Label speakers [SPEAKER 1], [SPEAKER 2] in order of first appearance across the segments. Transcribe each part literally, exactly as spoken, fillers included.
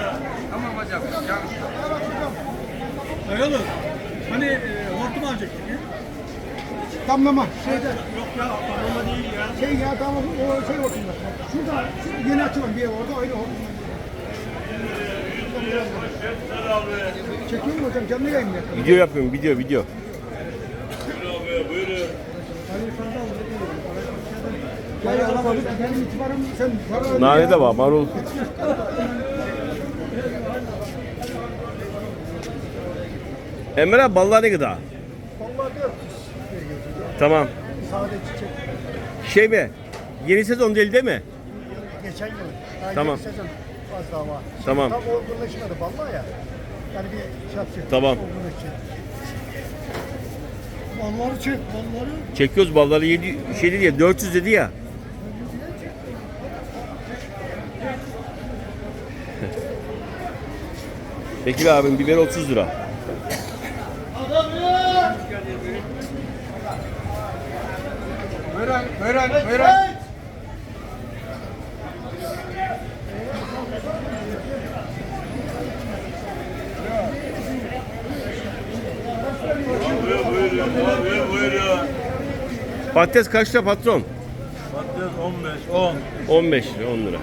[SPEAKER 1] Tamam hocam.
[SPEAKER 2] Dayalı. Hani e, hortum alacaktık ya.
[SPEAKER 3] Damlama. Şeyde.
[SPEAKER 2] Yok ya, damlama değil ya.
[SPEAKER 3] Şey ya tamam o şey hortumda. Şurada şu yeni açılan bir ev orada aynı hortumda. Çekiyor mu hocam? Canlı yayın mı yapıyorsun?
[SPEAKER 4] Video yapıyorum, video, video.
[SPEAKER 3] Ya ya alamadık. Benim itibarım sen para
[SPEAKER 4] Nane de var, marul. Emre abi ballar ne kadar?
[SPEAKER 3] Vallahi dört.
[SPEAKER 4] Tamam.
[SPEAKER 3] Sade çiçek.
[SPEAKER 4] Şey mi? Yeni sezon değil değil mi?
[SPEAKER 3] Geçen yıl. Daha
[SPEAKER 4] Tamam.
[SPEAKER 3] yeni sezon az daha var.
[SPEAKER 4] Tamam.
[SPEAKER 3] Tam olgunlaşmadı vallahi ya. Yani bir şey yapacak.
[SPEAKER 4] Tamam.
[SPEAKER 3] Olgunlaşacak. Balları çek, balları.
[SPEAKER 4] Çekiyoruz balları yedi şey dedi ya dört yüz dedi ya. Bekir abim biber otuz lira.
[SPEAKER 1] Buyurun, buyurun, buyurun.
[SPEAKER 4] Patates kaç lira patron?
[SPEAKER 2] Patates on beş, on.
[SPEAKER 4] on beş lira, on lira.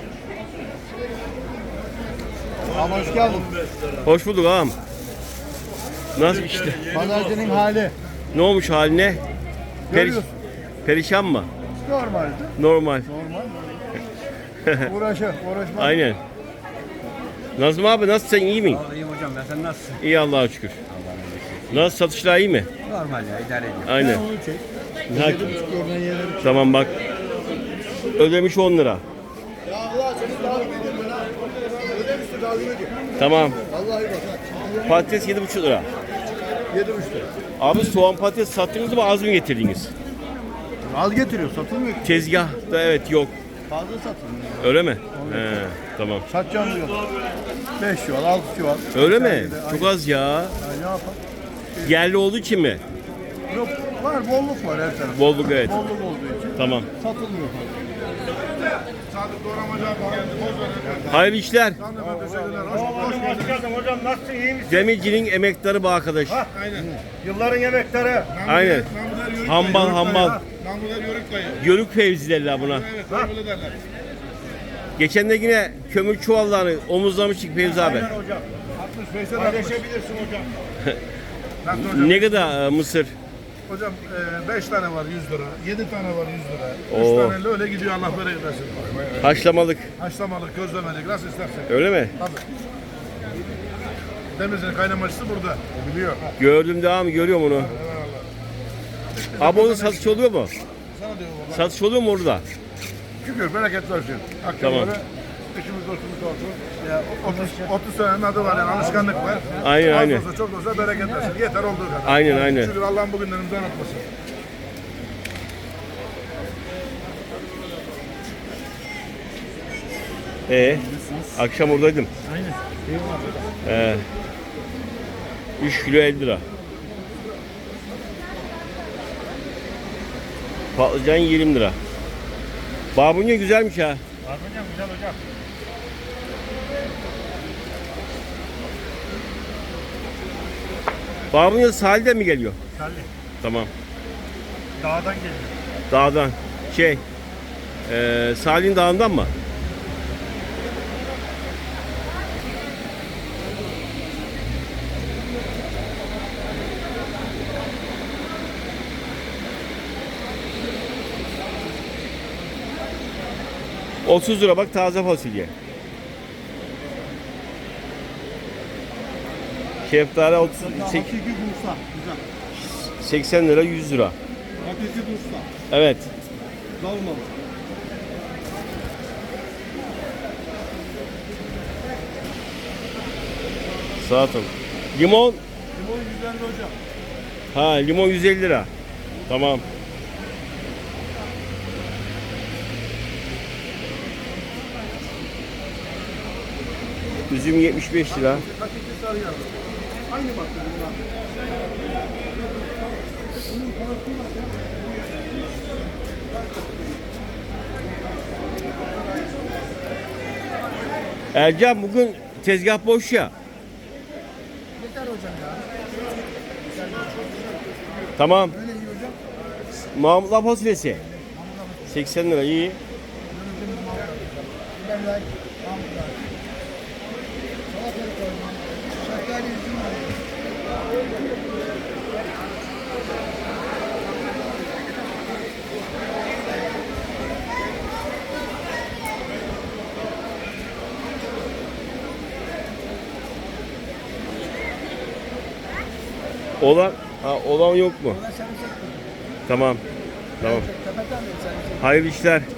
[SPEAKER 3] Ama hoş geldin.
[SPEAKER 4] Hoş bulduk ağam. Nasıl işte?
[SPEAKER 3] Pazarcının hali.
[SPEAKER 4] Ne olmuş haline? Periş,
[SPEAKER 3] Görüyorsun.
[SPEAKER 4] perişan mı?
[SPEAKER 3] Normaldi.
[SPEAKER 4] Normal.
[SPEAKER 3] Normal. Uğraşı, uğraşma.
[SPEAKER 4] Aynen. Nazım abi nasılsın, iyi mi?
[SPEAKER 1] İyiyim hocam, ben sen nasılsın?
[SPEAKER 4] İyi Allah'a şükür. Nasıl, satışlar iyi mi?
[SPEAKER 1] Normal ya, idare ediyorum.
[SPEAKER 4] Aynen.
[SPEAKER 3] Onu çek.
[SPEAKER 4] Ha,
[SPEAKER 3] Yedi buçuk oradan yedi buçuk.
[SPEAKER 4] tamam bak. Ödemiş on lira.
[SPEAKER 3] Ya Allah seni takip ediyorum ben ha. Ödemişti takip ediyor.
[SPEAKER 4] Tamam.
[SPEAKER 3] Vallahi bak.
[SPEAKER 4] Patates yedi buçuk lira.
[SPEAKER 3] Yedi buçuk.
[SPEAKER 4] Abi soğan patates sattınız mı az mı getirdiniz?
[SPEAKER 3] Az getiriyor, satılmıyor.
[SPEAKER 4] Tezgahta evet yok.
[SPEAKER 3] Fazla satılmıyor.
[SPEAKER 4] Öyle mi? He, tamam.
[SPEAKER 3] Satacağım diyor. Beş çuval, altı çuval.
[SPEAKER 4] Öyle mi?
[SPEAKER 3] Sergide,
[SPEAKER 4] Çok
[SPEAKER 3] aynen.
[SPEAKER 4] az ya.
[SPEAKER 3] Ya ne yapalım?
[SPEAKER 4] Yerli olduğu için mi?
[SPEAKER 3] Yok, var bolluk var her tarafta.
[SPEAKER 4] Bolluk evet.
[SPEAKER 3] Bolluk olduğu için
[SPEAKER 4] Tamam.
[SPEAKER 3] satılmıyor. Sadık doğramacı abi.
[SPEAKER 4] Hayırlı işler.
[SPEAKER 2] Hoş geldin hocam, nasılsın, iyi misin?
[SPEAKER 4] Demircinin emektarı bu arkadaş.
[SPEAKER 2] Aynen. Yılların emekleri.
[SPEAKER 4] Aynen. Hambal hambal.
[SPEAKER 1] Namlular yörük dayı.
[SPEAKER 4] Yörük fevzi derler buna.
[SPEAKER 1] Evet, öyle derler.
[SPEAKER 4] Geçen de yine kömür çuvallarını omuzlamıştık Fevzi abi.
[SPEAKER 2] Aynen hocam.
[SPEAKER 1] altmış beşe
[SPEAKER 2] Paylaşabilirsin hocam.
[SPEAKER 1] Nasıl hocam?
[SPEAKER 4] Ne kadar e, mısır?
[SPEAKER 1] Hocam beş tane var yüz lira, yedi tane var yüz lira.
[SPEAKER 4] Oo.
[SPEAKER 1] üç taneyle öyle gidiyor Allah bereket versin.
[SPEAKER 4] Haşlamalık.
[SPEAKER 1] Haşlamalık, közlemelik nasıl istersen.
[SPEAKER 4] Öyle mi?
[SPEAKER 1] Tabii. Demirci'nin kaynamacısı burada. O biliyor.
[SPEAKER 4] Gördüm devam görüyorum onu. Abi onun satış oluyor mu?
[SPEAKER 1] Sana diyor baba.
[SPEAKER 4] Satış oluyor mu orada?
[SPEAKER 1] Şükür bereket versin. Akşam
[SPEAKER 4] Tamam.
[SPEAKER 1] böyle işimiz dostumuz olsun. Ya otuz, otuz senenin adı var yani alışkanlık var.
[SPEAKER 4] Aynen,
[SPEAKER 1] Az
[SPEAKER 4] aynen.
[SPEAKER 1] olsa çok olsa bereket versin. Yeter olduğu kadar.
[SPEAKER 4] Aynen, aynen.
[SPEAKER 1] Şükür Allah'ın bugünlerimizi unutmasın.
[SPEAKER 4] Ee, akşam oradaydım.
[SPEAKER 2] Aynen.
[SPEAKER 4] Ee, üç kilo elli lira. Patlıcan yirmi lira. Babunya güzelmiş ha.
[SPEAKER 2] Var hocam, güzel hocam.
[SPEAKER 4] Babunya sahilden mi geliyor?
[SPEAKER 2] Salih.
[SPEAKER 4] Tamam.
[SPEAKER 2] Dağdan geliyor.
[SPEAKER 4] Dağdan. Şey, ee, Salih'in dağından mı? otuz lira bak taze fasulye. Şeftali otuz, sek-
[SPEAKER 3] Hakiki Bursa. Güzel.
[SPEAKER 4] seksen lira yüz lira.
[SPEAKER 3] Hakiki Bursa.
[SPEAKER 4] Evet.
[SPEAKER 3] Dalmalı.
[SPEAKER 4] Sağ ol. Limon.
[SPEAKER 3] Limon yüz elli hocam.
[SPEAKER 4] Ha limon yüz elli lira. Tamam. Üzüm yetmiş beş lira.
[SPEAKER 3] Hakiki sarı yağlı. Aynı bak.
[SPEAKER 4] Ercan bugün tezgah boş ya.
[SPEAKER 3] Yeter hocam ya.
[SPEAKER 4] Tamam.
[SPEAKER 3] Öyle iyi hocam.
[SPEAKER 4] Mahmutlar fasulyesi. seksen lira iyi.
[SPEAKER 3] Ben like. Mahmutlar. Salatalık koymam. Şeftali üzüm var.
[SPEAKER 4] Olan, ha, olan yok mu?
[SPEAKER 3] Ulan sarımsak koy.
[SPEAKER 4] Tamam. Tamam.
[SPEAKER 3] Tepeden de sarımsak.
[SPEAKER 4] Hayırlı işler.